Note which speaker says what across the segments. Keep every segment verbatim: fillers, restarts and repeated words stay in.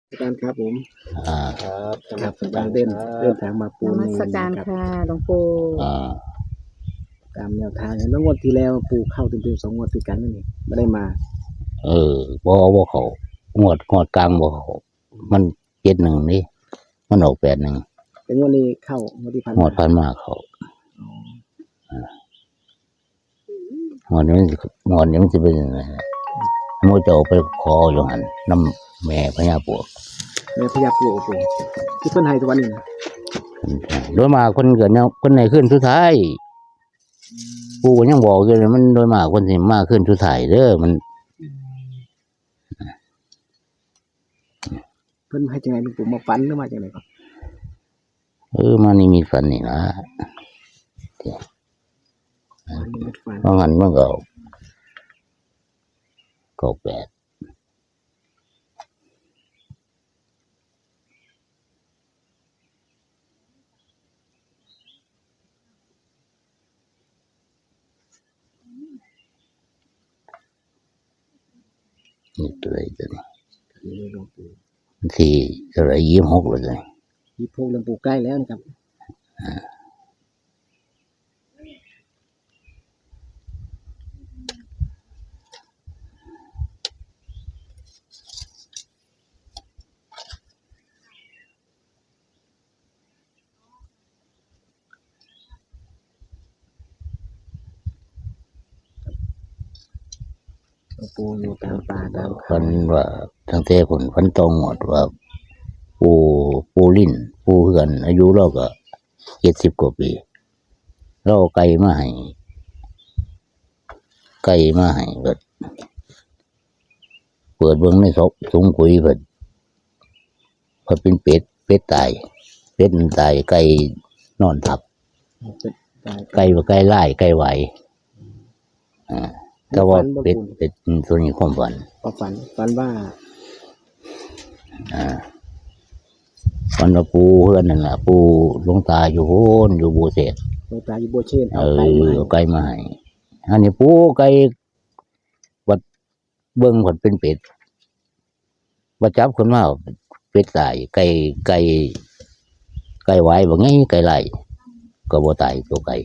Speaker 1: อาจารย์ครับผม
Speaker 2: อ่า
Speaker 1: ครับครับกำลังเดินเดินทางมาปู
Speaker 3: น
Speaker 1: น
Speaker 3: มัสการค่ะหลวงปู่
Speaker 2: อ่า
Speaker 1: ตามแนวทางแล้วงวดที่แล้วปูเข้าเต็มๆสองงวดติดกันนั่นเองไม่ได้มา
Speaker 2: เออบ่บ่เขางวดงวดกลางบ่เขามันเจ็ดหนึ่งนี่มันออกแปดหนึ่ง
Speaker 1: แต่งวดนี้เข้างวดที่ผ่าน
Speaker 2: งว
Speaker 1: มา
Speaker 2: ดพันมาเขา
Speaker 1: อ๋อ
Speaker 2: งวดนี้มันสิงวดนี้มันจะเป็นยังไงโมจะเอาไปขออยู่หันน้ำแม่พญาปวก
Speaker 1: แม่พญาปูปูที่เพิ่นให้ทุกวันนี้นะ
Speaker 2: โดยมากคนเกิดเนี่ยคนไหนขึ้นสุดท้ายปู่ก็ยังบอกอยู่เลยมันโดยมากคนสิมาขึ้นสุดท้ายเด้อมัน
Speaker 1: เพิ่นให้จังไงหลวงปู่มาฝันหรือมาจังไงครับ
Speaker 2: เออมานี่มีฝันนี่นะ
Speaker 1: ฝันเป็นฝัน
Speaker 2: เพราะงั้นมันก็ก็แปดนี่ตัวไหนตัวนี้
Speaker 1: นี่หลวงปู่
Speaker 2: ที่ตัวไหนยี่สิบหกเลย
Speaker 1: ที่พูหลวงปู่ใกล้แล้วนะครับ หลวงปู่อยู่ตามป่าตาม
Speaker 2: ฟั
Speaker 1: เขา
Speaker 2: นว่าตั้งแต่ผลฟันตรงหมดว่าปูปูลิ้นปูเหือนอายุเราก็เจ็ดสิบกว่าปีเราเอาไก่มาให้ไก่มาให้เปิดเปิดเบื้องในศพสูงกุยเปิดพอเป็นเป็ดเป็ดตายเป็ดมันตายไก่นอนทับ
Speaker 1: เป็นตาย
Speaker 2: ไก่ว่าไก่ไล่ไก่ไหวอ่าแต่ว่าเป็ดเป็ดตัวนี้ความฝัน
Speaker 1: ก็ฝันฝันว่า
Speaker 2: อ่าวันว่าปูเพื่อนนั่นแหละปูหลวงตาอยู่โหนอยู่บูเสด
Speaker 1: หลวงตาอยู่โบเชน
Speaker 2: เอ
Speaker 1: เอา
Speaker 2: อ
Speaker 1: ไก่มาให้
Speaker 2: เอาไก่มาให้อันนี้ปูไก่วัดเบิ้งวัดเป็นเป็ดวัดจับคนมาเป็ดตายไก่ไก่ไก่ไหวบ่ไงไก่ไล่ก็บ่ตายตัวไก่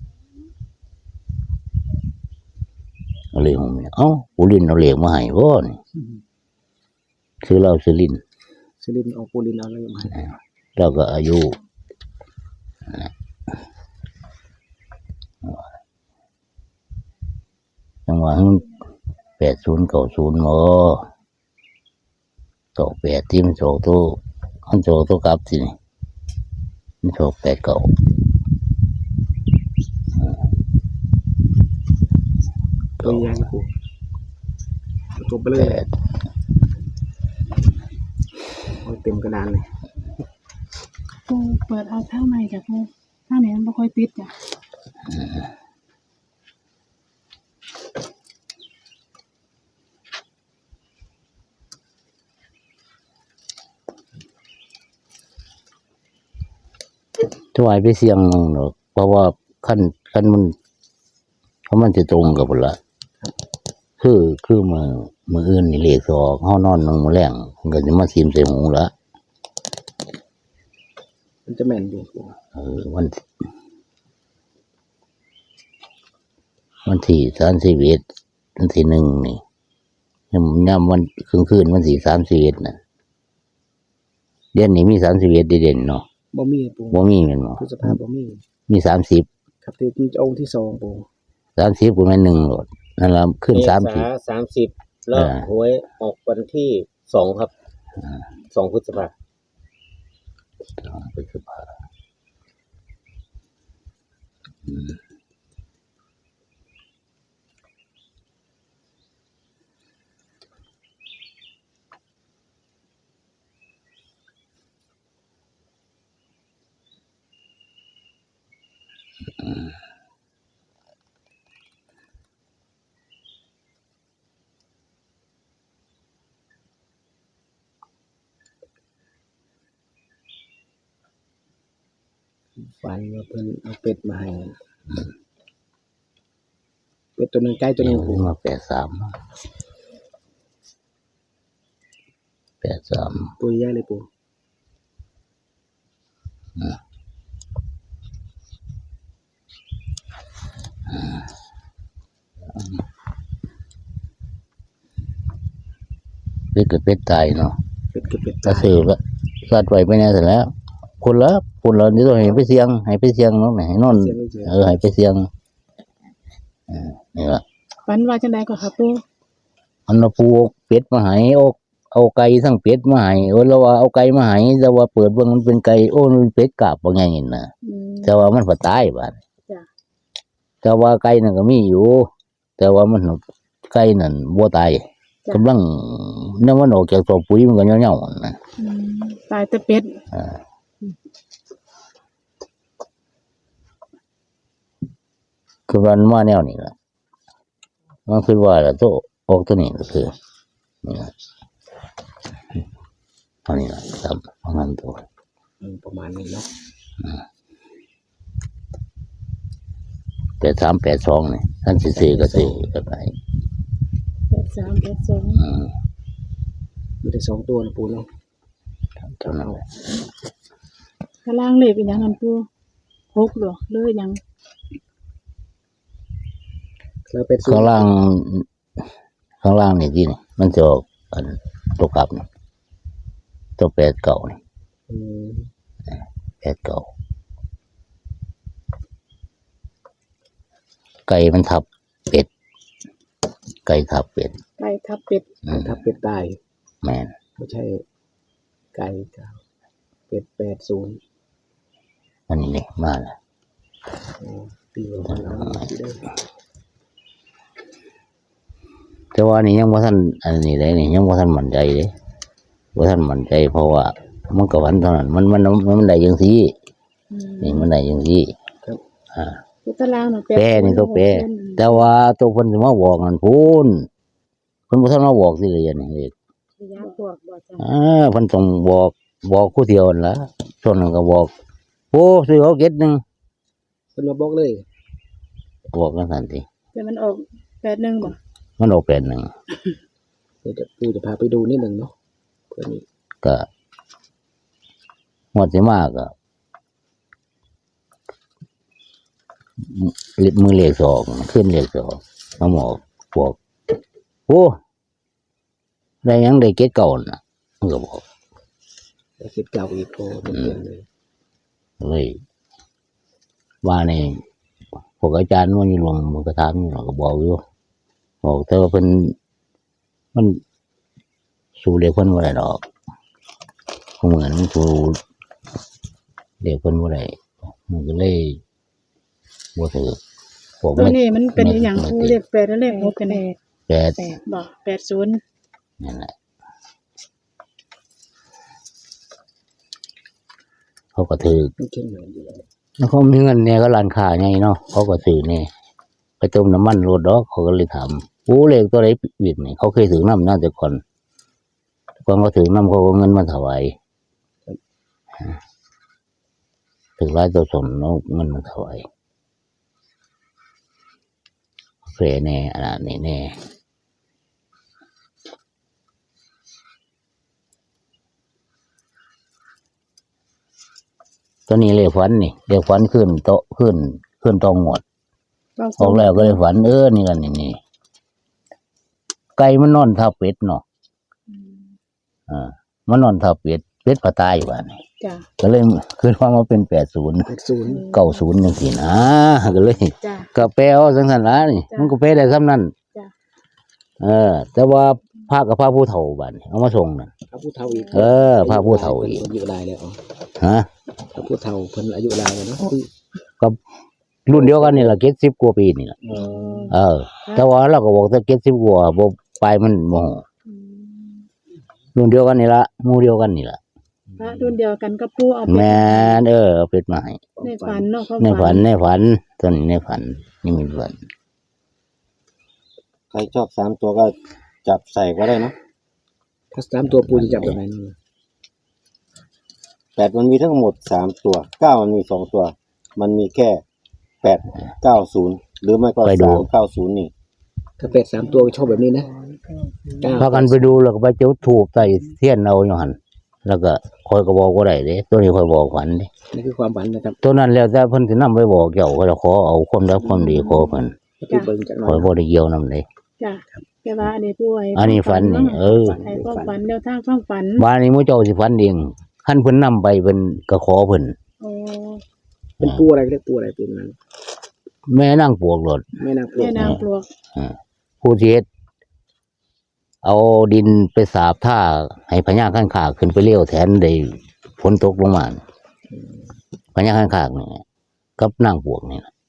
Speaker 2: เอาเลยผมเอ้าปูลินเอาเหล็กมาให้บ่นี่ซื้อเหล้าซื้อลิ้น
Speaker 1: ซิลินเอาปูลินเอาอะไรมาให้
Speaker 2: เราก็อายุจังหวะแปดศูนย์เก้าศูนย์หมอตกแปดที่มันโจตัวมันโจตัวกลับสิมันโจแปดเก่า
Speaker 1: ตัวใหญ่หลวงปู่ตัวเบล
Speaker 2: แป
Speaker 1: อ
Speaker 2: ด
Speaker 1: เอาเต็มกระดานเลย
Speaker 3: ปูเปิดเอาข้างในจ้ะปูข้างไหนมันไม่ค่อยติดจ้ะ
Speaker 2: ถวายไปเสียงหนึ่งเนอะเพราะว่าขั้นขั้นมันเพราะมันจะตรงกับพุ่นละคือคือมือมืออื่นนี่เลขสองห้านอนนงมาแรงมันก็จะมาซีมใส่หูละ
Speaker 1: มันจะแม่นอยู่หลวงปู่
Speaker 2: เออวันวันที่สามสิบเอ็ดวันที่หนึ่งนี่ยำยำวันคืนคืนวันที่สามสิบเอ็ดน่ะเดือนนี้มีสามสิบเอ็ดเด่นๆเนาะ
Speaker 1: บ่มีหลวงปู่
Speaker 2: บ่มีแม่นบ่
Speaker 1: พฤษภาบ่มี
Speaker 2: มีสามสิบ
Speaker 1: ครับที่มันจะองค์ที่สองปู่
Speaker 2: สามสิบกูแม่นหนึ่งโหลดนั่นละขึ้นสามสิบ
Speaker 4: สามสิบแล้ว
Speaker 2: อ่า
Speaker 4: หวยออกวันที่สองครับสองพฤษภา
Speaker 2: พฤษภาอืม
Speaker 1: ฝันว่าเพิ่นเอาเป็ดมาให้เป็ดตัวหนึงไก่ตัวหนึง
Speaker 2: เดี๋ยว
Speaker 1: ปู่
Speaker 2: มาแปดสาม
Speaker 1: เ
Speaker 2: แปดสาม
Speaker 1: ตัวใหญ่เลยปู่
Speaker 2: เป็ดกับเป็ดตายเนาะ
Speaker 1: เป็ดกับเป็ด
Speaker 2: ก็
Speaker 1: ตาย
Speaker 2: ซื้อก็สัตว์ไว้ไปแน่เสร็จแล้วคนละคนละนี่ต้องให้ไปเสียงให้ไปเสียงเนาะให้นอน
Speaker 1: เสียงนี่เฉย
Speaker 2: เออให้ไปเสียงเออนี่ละ
Speaker 3: ฝันว่าจังไดก็ค่ะปู
Speaker 2: อันน่ะปูเอาเป็ดมาให้เอาเอาไก่ทั้งเป็ดมาให้โอ้แล้วว่าเอาไก่มาให้แต่ว่าเปิดเบิ่งมันเป็นไก่โอ้มันเป็นเป็ดกาบว่าไงนี่น่ะ
Speaker 3: อืม
Speaker 2: แต่ว่ามันบ่ตายบาด
Speaker 3: จ้ะ
Speaker 2: แต่ว่าไก่นั่นก็มีอยู่ แต่ว่ามันไก่นั่นบ่ตายกำลังนำมันออกจากตัวปุ๋ยมันก็เหี่ยวๆนะ
Speaker 3: อืมตายแต่เป็ด
Speaker 2: อ่าคือมันมาแนวนี้ล่ะมันคือว่าละตัวออกตัวนี้ก็คือนี่ล่ะอันนี้ล่ะครับประมาณตัว
Speaker 1: อืมประมาณนี้เนาะ
Speaker 2: แปดสามแปดสองนี่ท่านสิซื้อก็ซื้อก็ไป
Speaker 3: แปดสามแปดสอง
Speaker 2: อืม
Speaker 1: มีได้สองตัวนะปู่เนาะ
Speaker 2: เท่านั้นแหละ
Speaker 3: ข้างล่างเลขเป็นหยังกันปูหกเหรอเลยหยัง
Speaker 1: แล้วเป็ด
Speaker 2: ข้างล่างข้างล่างนี่ที่นี่มันจะออกอันตัวกลับนี่ตัวแปดเก่านี่
Speaker 1: อืม
Speaker 2: แปดเก่าไก่มันทับเป็ดไก่ทับเป็ด
Speaker 3: ไก่ทับเป็ด
Speaker 2: อืม
Speaker 1: ถ้าเป็ดตาย
Speaker 2: แม่น
Speaker 1: ไม่ใช่ไก่เก้าเป็ดแปดศูนย์
Speaker 2: อันนี้นี่มาแล้ว
Speaker 1: โอ้ตีออกมาแล้วสิได้
Speaker 2: แต่ว่านี่ยังว่าท่านอันนี้เลยนี่ยังว่าท่านมั่นใจเลยว่าท่านมั่นใจเพราะว่ามันก็วันเท่านั้นมันมันมันได้ยังซี่
Speaker 3: อืม
Speaker 2: นี่มันได้ยังซี่
Speaker 1: ครับ
Speaker 2: อ่า
Speaker 3: ตัวตารางน่ะ
Speaker 2: แปรนี่ตัวแปร
Speaker 3: หกเส้น
Speaker 2: แต่ว่าตัวเพิ่นสิมาบอกนั่นพูนเพิ่นบ่ทันมาบอกสิเลยอันนี้เลย
Speaker 3: ยากบอกบ่จ้ะ
Speaker 2: อ่าเพิ่นต้องบอกบอกผู้เดียวนั่นล่ะส่วนนั้นก็บอกโอ้ซื้อเอาเก็ดหนึง
Speaker 1: เพิ่นมาบอกเลย
Speaker 2: บอกกันทันที
Speaker 3: แต่มันออกแปดหนึ่งบ่
Speaker 2: มันออกแปดหนึ่ง
Speaker 1: เดี๋ยวจะปู่จะพาไปดูนิดหนึ่งเนาะเพื่อนี้
Speaker 2: ก็งวดสิมาก็มือเลขสองขึ้นเลขสองมาหมอกบอกโอ้ได้หยังได้เก็ดเก่าน่ะมันก็บอก
Speaker 1: แล้วคิดเก่าอีกโอ้เต็มๆเลย
Speaker 2: เลยว่านี่พวกอาจารย์มันอยู่หลวงมันก็ถามอยู่หลวงก็บอกอยู่บอกแต่ว่าเพิ่นมันสู้เด็กเพิ่นบ่ได้ดอกเหมือนมันสู้เด็กเพิ่นบ่ได้มันก็เลยบ่ถือพวก
Speaker 3: ตัว
Speaker 2: มัน
Speaker 3: นี้มันเป็นอหย่างปูเลขแปดและเลขหกกันแน่
Speaker 2: แปด
Speaker 3: แปดบ่แปดศูนย์
Speaker 2: นั่นแหละเขาก็ถือ
Speaker 1: มันเข้มเหมือนอยู่แล้ว
Speaker 2: แล้วเขามีเงินเนี่ยก็ร้านค้าไงเนาะเขาก็ซื้อเนี่ยไปเติมน้ำมันรถดอกเขาก็เลยถามโอ้เลขตัวไหนวิดนี่เขาเคยถือน้ำน่าจะก่อนก่อนเขาถือน้ำเขาก็เงินมาถวายถึงร้ายตัวสนเนาะเงินมาถวายเฟรแน่อันนี้แน่ตัวนี้เลขฝันนี่เลขฝันขึ้นโตะขึ้นขึ้นตองหมด
Speaker 3: เก้า
Speaker 2: อ
Speaker 3: ศู
Speaker 2: อก
Speaker 3: นย์
Speaker 2: แล้วก็เลยฝันเออนี่กันนี่นี่ไก่มันนอนทับเป็ดเนาะ
Speaker 3: อืม
Speaker 2: อ่ามันนอนทับเป็ดเป็ดก็ตายอยู่บ้านนี่
Speaker 3: จ้ะ
Speaker 2: ก็เลยคือว่ามันเป็นแปดศูนย์
Speaker 1: แปดศูนย์
Speaker 2: เก้าศูนย์จังซี่นะก็เลย
Speaker 3: จ้ะ
Speaker 2: ก็แปลเอาจังซั่นล่ะนี่
Speaker 3: จ้ะ
Speaker 2: มันก็แปลได้ซ้ำนั้น
Speaker 3: จ้ะ
Speaker 2: เออ แต่ว่าพระกับพระผู้เฒ่าบ้านนี่เอามาส่งน่ะ
Speaker 1: พระผู้เฒ่าอีก
Speaker 2: เออพระผู้เฒ่าอีก
Speaker 1: พิ่นอายุหลายแล้วอ๋อ
Speaker 2: ฮะ
Speaker 1: พระผู้เฒ่าเพิ่นอายุหลายแล้วเนาะ
Speaker 2: ก็รุ่นเดียวกันนี่ล่ะเจ็ดสิบกว่าปีนี่ล่ะ
Speaker 1: อ๋อ
Speaker 2: เออ แต่ว่าเราก็บอกแต่เจ็ดสิบกว่าบ่ปลายมันบ่ฮู้
Speaker 3: อืม
Speaker 2: รุ่นเดียวกันนี่ล่ะหมู่เดียวกันนี่ล่ะ
Speaker 3: พระรุ่นเดียวกันก็ปูเอา
Speaker 2: แม่นเออเอาเป็ดมาให้
Speaker 3: ในฝันเนาะเขา
Speaker 2: ในฝันในฝันตอนนี้ในฝันนี่มีฝัน
Speaker 4: ใครชอบสามตัวก็จับใส่ก็ได้เนอะ
Speaker 1: ถ้าสามตัวปู่จะจับแบบไหนเนาะ
Speaker 4: แปดมันมีทั้งหมดสามตัวเก้ามันมีสองตัว มันมีแค่แปดเก้าศูนย์หรือไม่ก็สามเก้าศูนย์นี่
Speaker 1: ถ้าเป็ดสามตัวก็ชอบแบบนี้นะเก้า
Speaker 2: พากันไปดูแล้วก็ไปจุดธูปใส่เทียนเอาอยู่หั่นแล้วก็คอยก็บอกบ่ได้เด้ตัวนี้คอยบอกฝันเด้
Speaker 1: นี่คือความฝันนะครับ
Speaker 2: ตัวนั้นแล้วแต่เพิ่นสินำไปบอกเจ้าก็จะขอเอาความรักความดีขอเพิ่น
Speaker 1: ที่เบิ่งจากหน่
Speaker 2: ค
Speaker 1: อ
Speaker 2: อย
Speaker 1: ย
Speaker 2: บ่ได้เกี่ยวนำเลย
Speaker 3: จ้ะแต่ว่าอันนี้ป่วย
Speaker 2: อันนี้ฝันนี่เออ
Speaker 3: ให้ความฝันแนวทางความฝัน
Speaker 2: บ้านนี้หมู่เจ้าสิฝันเองคันเพิ่นนำไปเพิ่นก็ขอเพิ่น
Speaker 3: โอ้
Speaker 1: เป็นปูอะไรเรียกปูอะไรปูนั้น
Speaker 2: แม่นางปวกโลด
Speaker 1: แม่นางปลว
Speaker 3: แม่
Speaker 1: ก
Speaker 3: นางปลวก
Speaker 2: ผู้ที่เฮ็ดเอาดินไปสาบท่าให้พญาข้างขากขึ้นไปเลี้ยวแทนได้ฝนตกลงมาพญาข้างขากนี่กับนางปวกนี่นะ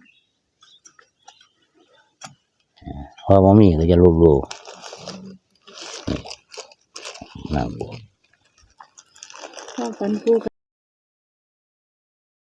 Speaker 2: พอมามีก็จะรูปรูนางปวก
Speaker 3: ความฝันปู